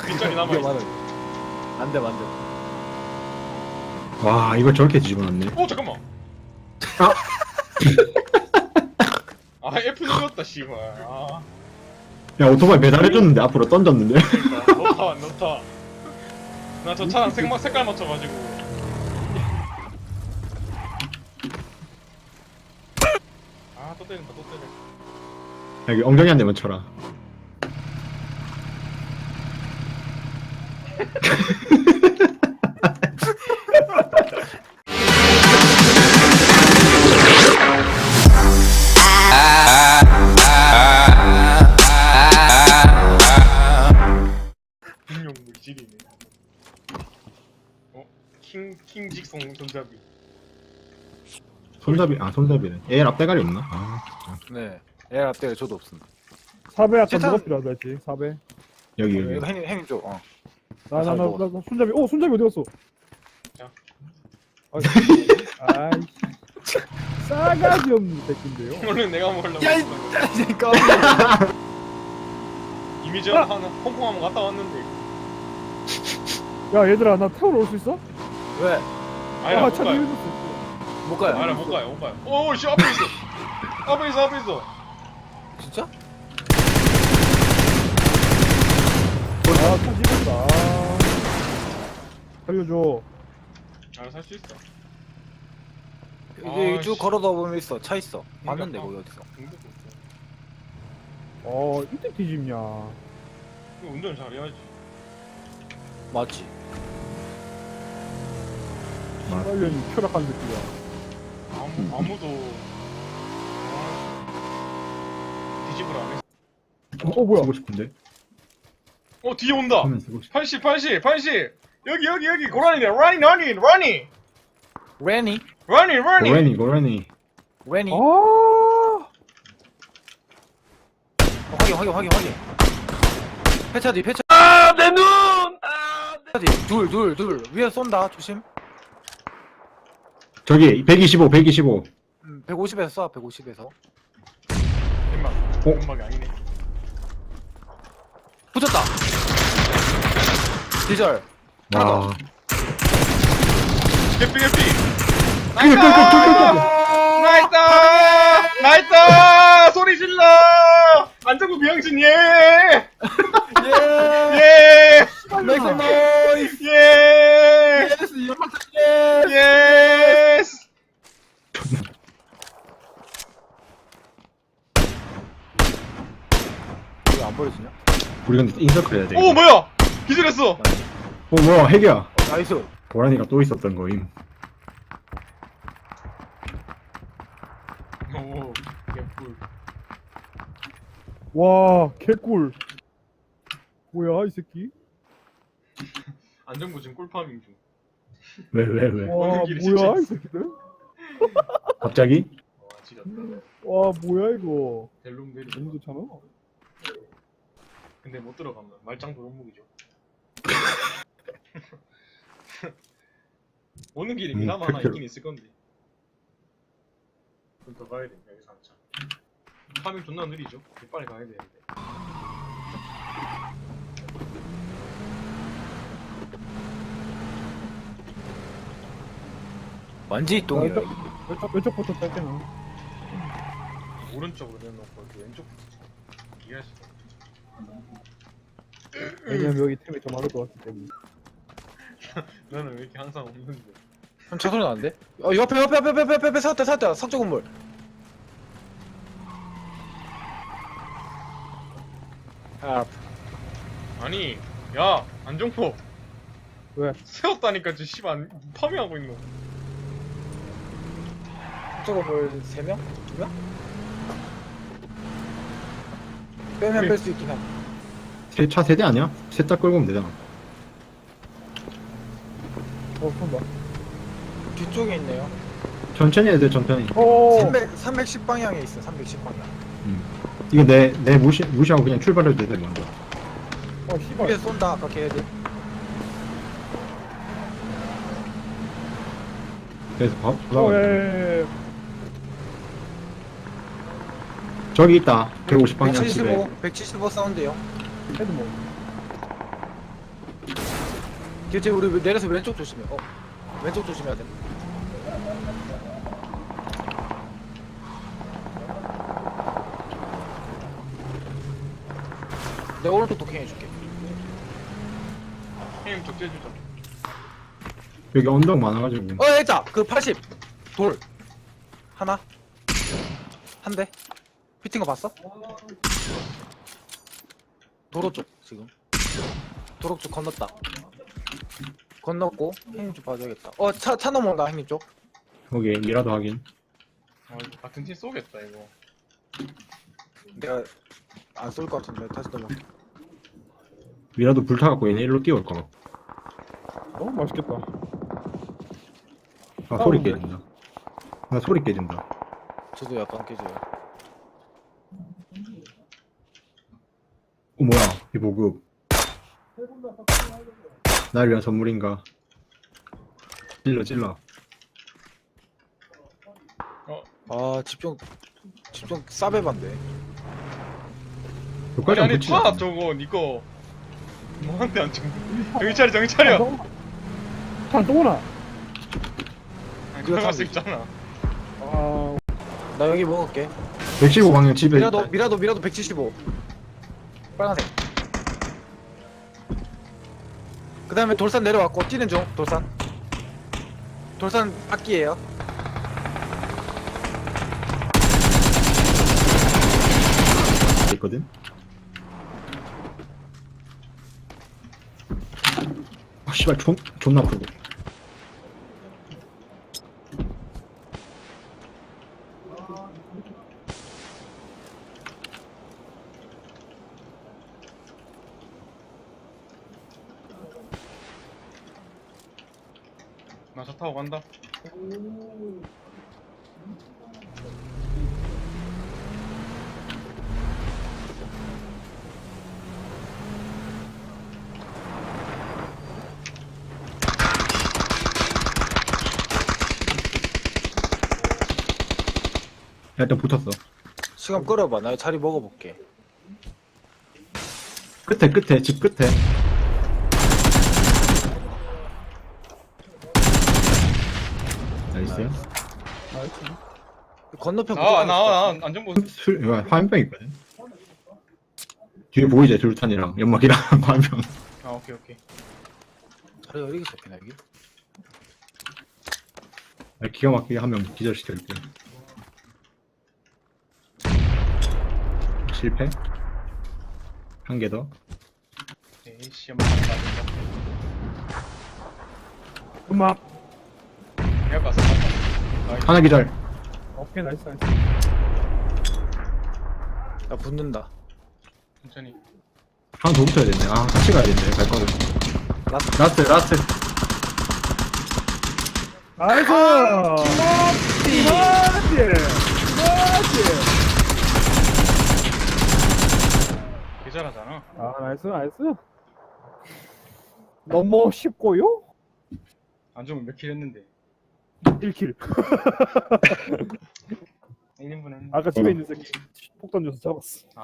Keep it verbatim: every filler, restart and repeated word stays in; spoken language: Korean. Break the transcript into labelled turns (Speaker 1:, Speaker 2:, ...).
Speaker 1: 빗자리 남아있어.
Speaker 2: 안돼 안돼.
Speaker 3: 와 이걸 저렇게 집어넣네.
Speaker 1: 오 잠깐만.
Speaker 3: 아.
Speaker 1: 아 F 눌렀다 씨발. 아
Speaker 3: 야 오토바이 배달해줬는데 앞으로 던졌는데.
Speaker 1: 그러니까 놓다 놓다. 나 저 차랑 색막 색깔 맞춰가지고. 아 또 때린다 또 때려.
Speaker 3: 여기 엉덩이 한 대만 쳐라.
Speaker 1: 인용 물질이네. 어? 킹 킹직송 손잡이.
Speaker 3: 손잡이 아 손잡이네. 얘 앞대가리 없나? 아
Speaker 2: 네. 애 앞대 저도 없습니다.
Speaker 4: 사배 약간
Speaker 2: 세상-
Speaker 4: 뭐가 필요하다 했지 사배.
Speaker 3: 여기
Speaker 2: 이거
Speaker 3: 여기.
Speaker 2: 행님 행님 쪽. 어.
Speaker 4: 나 나
Speaker 2: 잘
Speaker 4: 나
Speaker 2: 먹어.
Speaker 4: 나 손잡이. 오 손잡이 어디 갔어?
Speaker 1: 자.
Speaker 4: 아이씨. 싸가지 없는 새끼인데요.
Speaker 1: 원래 내가 먹으려고.
Speaker 2: 야, 이-
Speaker 1: 했어.
Speaker 2: 그러니까.
Speaker 1: 이미 전 한 홍콩 한번 갔다 왔는데.
Speaker 4: 야 얘들아 나 태우러 올 수 있어?
Speaker 2: 왜?
Speaker 1: 아야
Speaker 4: 아,
Speaker 1: 못
Speaker 4: 차
Speaker 1: 가요.
Speaker 4: 뒤에서
Speaker 2: 못 가요.
Speaker 1: 아야 못 가요 못 가요. 오씨 앞에 있어. 앞에 있어 앞에 있어.
Speaker 2: 진짜?
Speaker 4: 아차 집었다. 살려줘.
Speaker 1: 아살 수 있어.
Speaker 2: 이게
Speaker 1: 아,
Speaker 2: 쭉
Speaker 1: 씨.
Speaker 2: 걸어다 보면 있어. 차 있어. 봤는데
Speaker 1: 그러니까.
Speaker 2: 거기 어디서?
Speaker 1: 공도 없어.
Speaker 4: 어 이때 뒤집냐.
Speaker 1: 이거 운전 잘해야지.
Speaker 2: 맞지.
Speaker 4: 빨리 추락한 새끼야.
Speaker 1: 아무 아무도 아, 뒤집을 안 했어.
Speaker 4: 어 뭐야?
Speaker 3: 쓰고 싶은데.
Speaker 1: 어 뒤에 온다.
Speaker 3: 하면 쓰고 싶.
Speaker 1: 팔십 팔십 팔십 여기 여기 여기 고라니네 라니 라니 라니
Speaker 2: 레니?
Speaker 1: 라니 라니.
Speaker 3: 고라니 고라니.
Speaker 2: 레니?
Speaker 4: 아.
Speaker 2: 어, 확인 확인 확인 확인. 폐차 뒤 폐차.
Speaker 1: 아내 눈. 아
Speaker 2: 폐차 뒤. 둘 둘 둘. 위에 쏜다. 조심.
Speaker 3: 저기 백이십오 백이십오.
Speaker 2: 음, 백오십에서 쏴. 백오십에서.
Speaker 1: 엠막
Speaker 3: 어?
Speaker 1: 엠막이 아니네.
Speaker 2: 붙였다. 디절.
Speaker 3: 와.
Speaker 1: 개피 개피.
Speaker 3: 그, 그, 그, 그, 그,
Speaker 1: 나이스 나이스 소리 질러. 안정구 비영신 예.
Speaker 2: 예.
Speaker 1: 예.
Speaker 2: 메이크 노이즈.
Speaker 1: 예.
Speaker 2: 예스 연막
Speaker 1: 예스.
Speaker 2: 왜안 버려지냐?
Speaker 3: 우리 근데 인서클 해야 돼.
Speaker 1: 오 뭐야? 기절했어.
Speaker 3: 어 뭐야 핵이야.
Speaker 2: 어, 나이스.
Speaker 3: 고라니가 또 있었던 거임.
Speaker 1: 오 개뿔.
Speaker 4: 와 개꿀. 뭐야 이 새끼?
Speaker 1: 안정구 지금 꿀파밍 중.
Speaker 3: 왜 왜 왜?
Speaker 4: 와
Speaker 1: 오늘 길이
Speaker 4: 뭐야
Speaker 1: 진짜
Speaker 4: 이 새끼들?
Speaker 3: 갑자기?
Speaker 1: 와 지렸다.
Speaker 4: 와 뭐야 이거?
Speaker 1: 델룸 내리.
Speaker 4: 너무 좋잖아.
Speaker 1: 근데 못 들어간다. 말짱 도루묵이죠. 오는 길에
Speaker 3: 음,
Speaker 1: 미남 하나
Speaker 3: 그렇게-
Speaker 1: 있긴 있을 건데. 좀 더 가야 돼. 여기서 한참. 파밍 존나 느리죠. 빨리 가야 되는데.
Speaker 2: 완전히 똥이야.
Speaker 4: 왼쪽 왼쪽 왼쪽부터 짧게 나.
Speaker 1: 오른쪽으로 내놓고 이렇게 왼쪽부터 이해할 수가 없어.
Speaker 4: 왜냐면 여기 템이 더 많을 것 같기 때문에.
Speaker 1: 나는 왜 이렇게 항상 없는데.
Speaker 2: 형, 차 소리 나는데? 어, 옆에, 옆에, 옆에, 옆에, 옆에, 옆에, 샀다, 샀다. 석조 건물. 아,
Speaker 1: 아니, 야, 안정포.
Speaker 4: 왜?
Speaker 1: 세웠다니까 지금 씨발 파밍하고 있노.
Speaker 2: 석조 건물 세 명? 두 명? 빼면 뺄 수 있긴 함.
Speaker 3: 세, 차 세대 아니야? 세 차 끌고 오면 되잖아.
Speaker 4: 어 손봐.
Speaker 2: 뒤쪽에 있네요.
Speaker 3: 천천히 해야 돼 천천히.
Speaker 4: 어.
Speaker 2: 삼백, 삼백십 방향에 있어, 삼백십 방향.
Speaker 3: 음. 이거 내, 내 무시, 무시하고 그냥 출발해도 돼 먼저.
Speaker 4: 어 씨발.
Speaker 2: 위에 쏜다, 아까 걔네들.
Speaker 3: 그래서 봐,
Speaker 4: 어
Speaker 3: 올라가.
Speaker 4: 예.
Speaker 3: 저기 어, 예, 예. 있다. 백오십 방향 집에.
Speaker 2: 백칠십오, 백칠십오 사운드요.
Speaker 4: 헤드 뭐. 어, 씨발. 어, 어, 어, 어, 어, 어, 어, 어, 어, 어, 어, 어, 어, 어, 어, 어, 어, 어, 어,
Speaker 2: 이제 우리 내려서 왼쪽 조심해. 어, 왼쪽 조심해야 돼. 내가 오른쪽 도킹 해줄게.
Speaker 1: 형님 적재해주자.
Speaker 3: 여기 언덕 많아가지고.
Speaker 2: 어, 있다. 그 팔십 돌 하나 한 대. 피팅 거 봤어? 도로 쪽 지금. 도로 쪽 건넜다. 건넜고 형님 쪽 봐줘야겠다. 어, 차 차 넘어온다 형님 쪽.
Speaker 3: 거기 미라도 확인.
Speaker 1: 어, 이거 같은 팀 쏘겠다 이거.
Speaker 2: 내가 안 쏠 것 같은데 다시 넘어.
Speaker 3: 미라도 불타갖고 얘네 일로 뛰어올 거라.
Speaker 4: 어 맛있겠다.
Speaker 3: 아 소리 깨진다. 아 소리 깨진다.
Speaker 2: 저도 약간 깨져요.
Speaker 3: 어 뭐야 이 보급. 날 위한 선물인가. 찔러 찔러.
Speaker 2: 아 집중 집중 싸배반데.
Speaker 3: 여기까지
Speaker 1: 아니
Speaker 3: 안
Speaker 1: 아니
Speaker 3: 붙이나?
Speaker 1: 타 저거 니꺼. 뭐한테 안 쳐. 정신 차려 정신 차려.
Speaker 4: 탄또 오나?
Speaker 1: 아니,
Speaker 2: 그거
Speaker 1: 들어갈 수
Speaker 2: 타지.
Speaker 1: 있잖아.
Speaker 4: 아
Speaker 2: 나 여기 먹을게.
Speaker 3: 백십오 방향 집에
Speaker 2: 미라도
Speaker 3: 있다.
Speaker 2: 미라도 미라도 백칠십오. 빨간색. 그 다음에 돌산 내려왔고 뛰는 중 돌산. 돌산 악기예요.
Speaker 3: 있거든. 아 씨발 존 존나 아프고.
Speaker 1: 나 차 타고 간다.
Speaker 3: 야, 일단 붙었어.
Speaker 2: 시간 끌어봐. 나 자리 먹어볼게.
Speaker 3: 끝에 끝에 집 끝에. 나이스.
Speaker 4: 나이스.
Speaker 2: 건너편
Speaker 1: 나와
Speaker 2: 무조건
Speaker 1: 나와
Speaker 2: 있어.
Speaker 1: 나 안전보.
Speaker 3: 술 이거 화염병 있거든. 뒤에 보이지 둘탄이랑 연막이랑 화염병.
Speaker 1: 아 오케이 오케이.
Speaker 2: 자리 어디게 잡히나 여기?
Speaker 3: 아, 기가 막히게 한 명 기절시켜줄게. 실패. 한 개 더.
Speaker 1: 에이씨 한번 간다.
Speaker 4: 음악.
Speaker 1: 내가 갔어. 나이스.
Speaker 3: 하나 기절.
Speaker 4: 오케이 나이스 나이스.
Speaker 2: 나 붙는다.
Speaker 1: 천천히.
Speaker 3: 하나 더 붙어야 되네. 아 같이 가야 되네. 갈 거는.
Speaker 2: 라스트.
Speaker 3: 라스트 라스트.
Speaker 4: 나이스.
Speaker 2: 띠.
Speaker 4: 나이스. 나이스.
Speaker 1: 개잘하잖아.
Speaker 4: 아 나이스 나이스. 너무 쉽고요?
Speaker 1: 안 좋으면 몇 킬 했는데.
Speaker 4: 일 킬.
Speaker 1: 일 인분 했는데.
Speaker 4: 아까 집에 있는 새끼 폭 던져서 잡았어.